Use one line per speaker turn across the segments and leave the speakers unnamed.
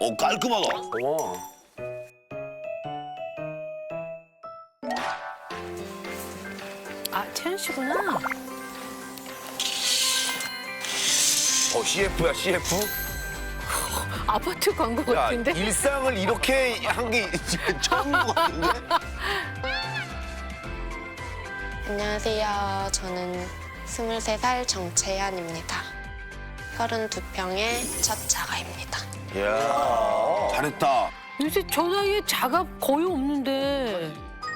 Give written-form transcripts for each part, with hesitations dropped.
깔끔하다.
어머.
아, 채연 씨구나.
CF야, CF?
아파트 광고
야,
같은데?
일상을 이렇게 한 게 처음인 것 같은데?
안녕하세요. 저는 23살 정채연입니다. 32평의 첫 자가입니다.
이야, 잘했다.
요새 저 나이에 자가 거의 없는데.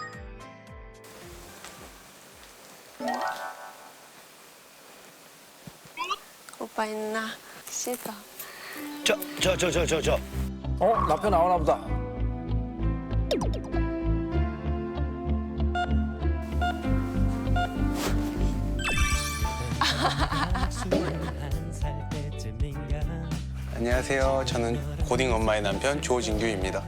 오빠 있나? 씻어.
저.
남편 나오나 보다.
안녕하세요. 저는 고딩 엄마의 남편 조진규입니다.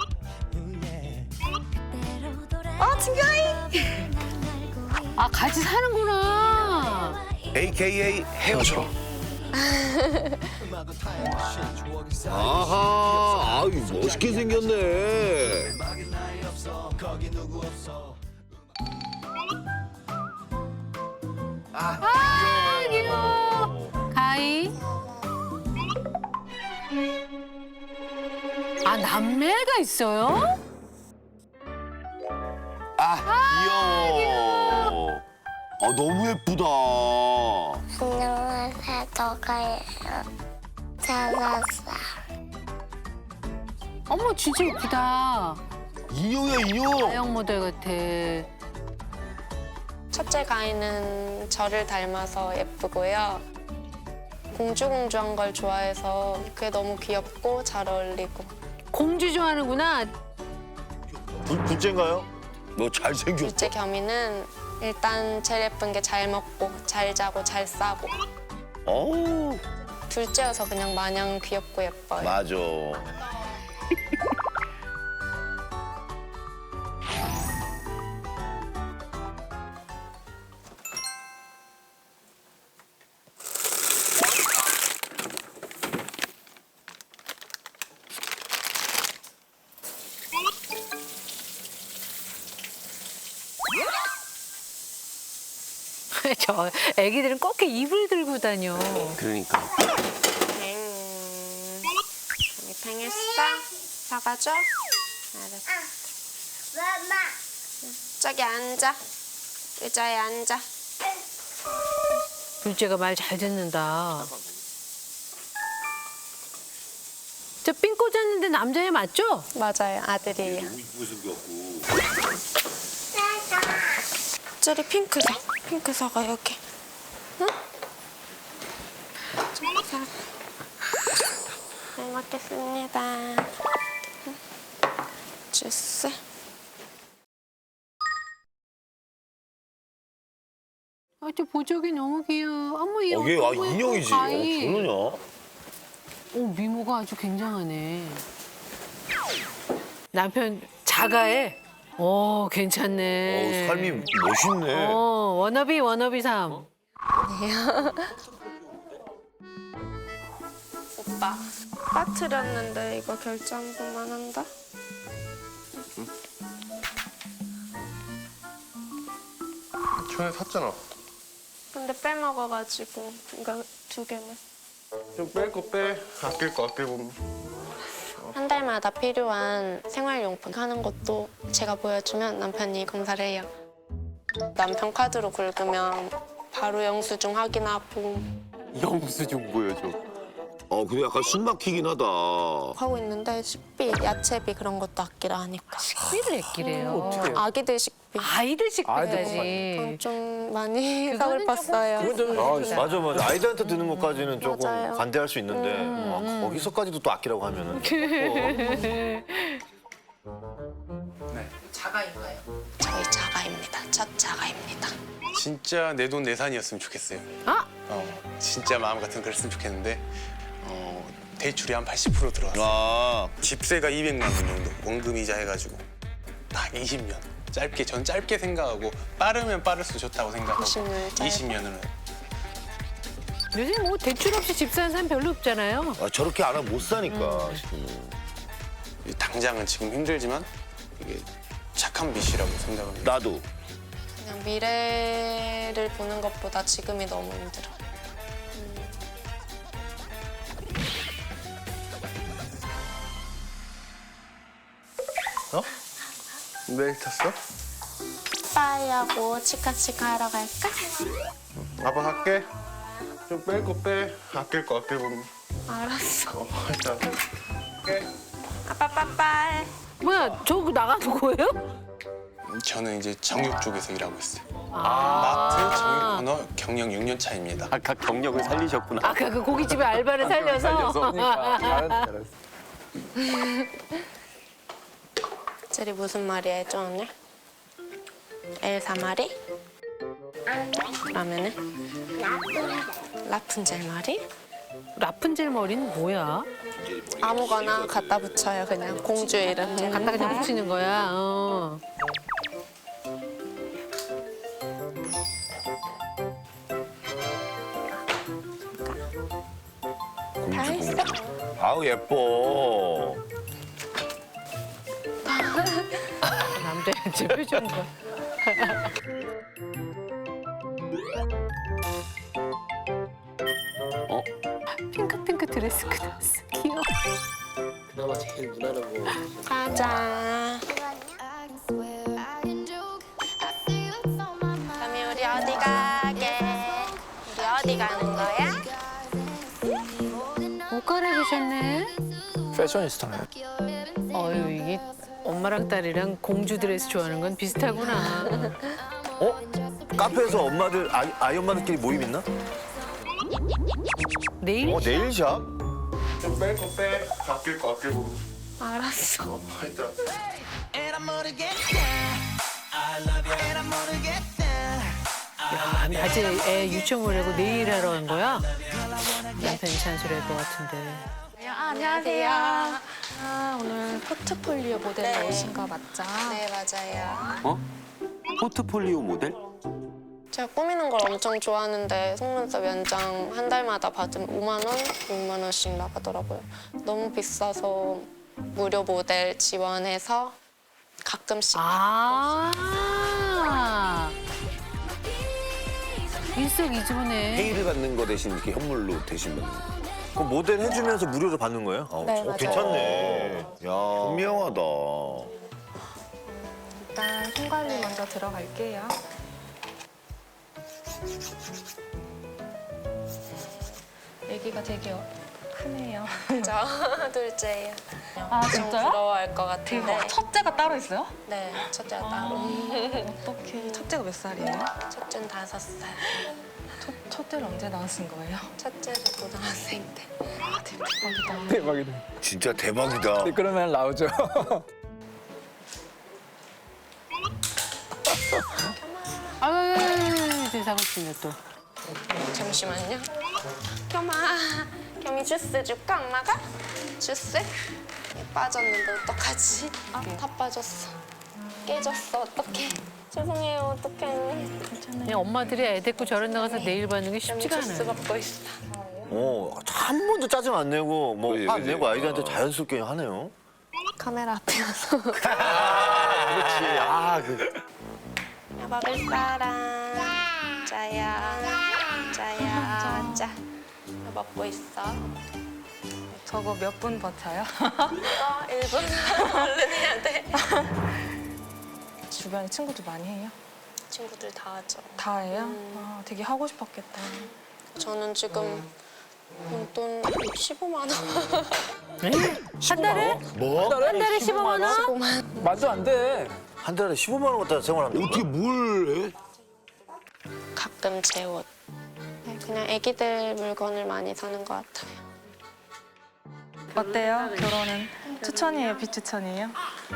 아, 같이 사는구나.
AKA 헤어져. 아하, 아유, 멋있게 생겼네.
아, 귀여워. 가희. 아, 남매가 있어요?
귀여워. 너무 예쁘다.
안녕하세요. 저가예요. 찾았어.
어머, 진짜 예쁘다.
인형이야, 인형.
아영 모델 같아.
첫째 가인은 저를 닮아서 예쁘고요. 공주공주한 걸 좋아해서 그게 너무 귀엽고 잘 어울리고.
공주 좋아하는구나.
둘째인가요? 너 잘생겼다.
둘째 겸이는 일단 제일 예쁜 게 잘 먹고 잘 자고 잘 싸고.
어우,
둘째여서 그냥 마냥 귀엽고 예뻐요.
맞아.
저 애기들은 꼭 이렇게 입을 들고 다녀.
그러니까.
언니 팽했어? 사가줘? 알았어.
엄마.
저기 앉아. 의자에 앉아.
둘째가 말 잘 듣는다. 저 삥 꽂았는데 남자애 맞죠?
맞아요, 아들이에요. 저리 핑크사가 여기. 응? 저리 사. 잘 먹겠습니다. 응. 주스.
아, 저 보조개 너무 귀여워. 어머, 얘
이게
너무 예뻐,
인형이지.
가희.
그러냐?
오, 미모가 아주 굉장하네. 남편 자가해. 오, 괜찮네.
삶이 멋있네.
워너비 삶.
오빠, 빠뜨렸는데 이거 결제 한 번만 한다?
전에 샀잖아.
근데 빼먹어가지고 이거 2개만.
좀 뺄 거 빼. 아낄 거 아끼고.
한 달마다 필요한 생활용품 하는 것도 제가 보여주면 남편이 검사를 해요. 남편 카드로 긁으면 바로 영수증 확인하고
영수증 보여줘.
근데 약간 숨 막히긴 하다.
하고 있는데 식비, 야채비 그런 것도 아끼라 하니까.
식비를 아끼래요.
아기들 식비
아이들 식비
아이들
해야지.
좀 많이
그거는
서글펐어요.
맞아. 아이들한테 드는 것까지는 조금
맞아요.
관대할 수 있는데 거기서까지도 또 아끼라고 하면은.
저희 자가입니다. 첫 자가입니다.
진짜 내 돈 내산이었으면 좋겠어요.
아?
진짜 마음 같은 그랬으면 좋겠는데 대출이 한 80% 들어왔어요.
아,
집세가 200만 원 정도 원금이자 해가지고 딱 20년. 전 짧게 생각하고 빠르면 빠를수록 좋다고 생각하고
20년 짧아.
20년은
요즘 뭐 대출 없이 집 사는 사람 별로 없잖아요.
아, 저렇게 안 하면 못 사니까.
당장은 지금 힘들지만 이게 착한 빛이라고 생각을 해요.
나도.
그냥 미래를 보는 것보다 지금이 너무 힘들어.
내일 탔어?
빠이하고 치카치카 하러 갈까?
아빠 갈게. 좀 뺄 거 빼. 아낄 거 아끼고.
알았어.
일단 갈게.
아빠 빠빠이.
뭐야, 저거 나가는 거예요?
저는 이제 정육 쪽에서 일하고 있어요. 마트 정육 코너 경영 6년 차입니다.
아까 경력을 살리셨구나.
아까 그 고깃집에 알바를 살려서.
젤이 무슨 말이야, 저 오늘? 엘사 말이? 그러면은? 라푼젤 말이?
라푼젤 머리는 뭐야?
아무거나 갖다 붙여요, 그냥. 공주 이름.
갖다 그냥 붙이는 거야. 어.
다 했어.
아우, 예뻐.
남자의 제 표정 봐. 핑크핑크 드레스 입고 나왔어. 귀여워.
그나마 제일 무난하고
가자. 그럼 우리 어디 가게? 우리 어디 가는 거야?
옷 갈아입으셨네.
패셔니스타네.
어유 이게 엄마랑 딸이랑 공주 드레스 좋아하는 건 비슷하구나.
어? 카페에서 엄마들, 아이 엄마들끼리 모임 있나?
내일?
네일샵?
좀 뺄 거 빼. 아낄 거 아끼고.
알았어.
일단.
야, 낮에 애 유치원 보내고 내일 하러 간 거야? 남편이 잔소리할 것 같은데.
안녕하세요.
아, 오늘 포트폴리오 모델로
네.
오신 거 맞죠?
네, 맞아요.
어? 포트폴리오 모델?
제가 꾸미는 걸 엄청 좋아하는데 속눈썹 연장 한 달마다 받으면 5만 원, 6만 원씩 나가더라고요. 너무 비싸서 무료 모델 지원해서 가끔씩
아. 일석이조네.
페이를 받는 거 대신 이렇게 현물로 대신 받는 거. 그럼 모델 해주면서 무료로 받는 거예요?
네, 맞아요.
괜찮네. 야, 현명하다.
일단 손 관리 먼저 들어갈게요. 아기가 되게 크네요.
저 둘째예요.
아,
좀
진짜요?
부러워할 것 같은데.
첫째가 따로 있어요?
네, 첫째가 따로.
어떡해. 첫째가 몇 살이에요?
첫째는 5살.
첫째를 언제 낳으신 거예요?
첫째는 고등학생 때.
대박이다.
진짜 대박이다.
그러면 나오죠.
아유, 세상을 치네 또.
잠시만요. 겸아, 겸이 주스 줄까, 엄마가? 주스? 빠졌는데 어떡하지? 다 빠졌어. 깨졌어, 어떡해. 죄송해요, 어떡해.
그냥 엄마들이 애 데리고 저런 나가서 내일 받는 게
겸이
쉽지가
주스
않아요.
먹고 있어.
한 번도 짜증 안 내고 뭐
그지,
화 안
그지.
내고 아이들한테 자연스럽게 하네요.
카메라 앞에 와서.
그렇지. 아,
야, 먹을 사람. 짜야, 짜야, 짜. 야, 먹고 있어.
저거 몇 분 버텨요?
1분 얼른 해야 돼.
주변에 친구들 많이 해요?
친구들 다 하죠.
다 해요? 아, 되게 하고 싶었겠다.
저는 지금 용돈 15만 원.
한 달에?
뭐?
한 달에 15만 원?
15만.
말도 안 돼.
한 달에 15만 원 갖다 생활하면 어떻게 뭘 해?
가끔 제 옷. 네, 그냥 애기들 물건을 많이 사는 것 같아요.
어때요? 결혼은 추천이에요? 비추천이에요?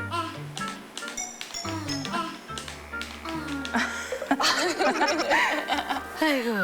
아이고.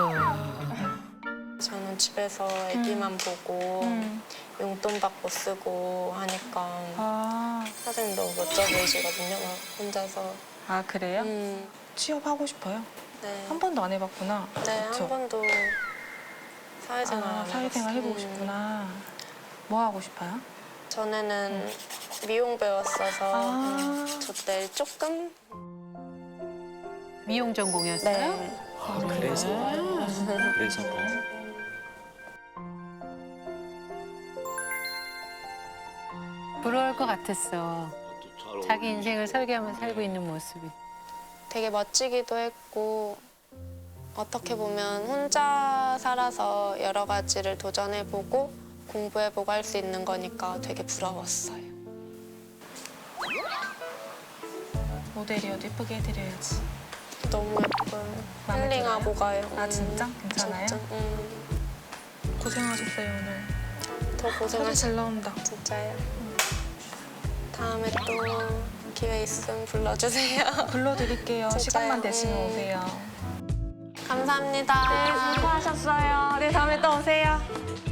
저는 집에서 애기만 보고 용돈 받고 쓰고 하니까
아,
사장님 너무 멋져 보이시거든요. 막 혼자서.
아 그래요? 취업하고 싶어요?
네.
한 번도 안 해봤구나.
네,
그쵸?
한 번도 사회생활.
사회생활 해보고 싶구나. 뭐 하고 싶어요?
전에는 미용 배웠어서 저 때 조금
미용 전공이었어요?
네.
그래서
부러울 것 같았어. 자기 인생을 설계하면서 살고 있는 모습이.
되게 멋지기도 했고 어떻게 보면 혼자 살아서 여러 가지를 도전해보고 공부해보고 할 수 있는 거니까 되게 부러웠어요.
모델이어도 예쁘게 해드려야지.
너무 예뻐요.
마음에
힐링하고 가요.
아, 진짜? 괜찮아요?
진짜.
고생하셨어요, 오늘.
더
소리
고생하셨어요.
잘 나온다.
진짜요. 다음에 또 기회 있으면 불러주세요.
불러드릴게요.
진짜요?
시간만 되시면 오세요.
감사합니다. 수고하셨어요. 네, 다음에 또 오세요.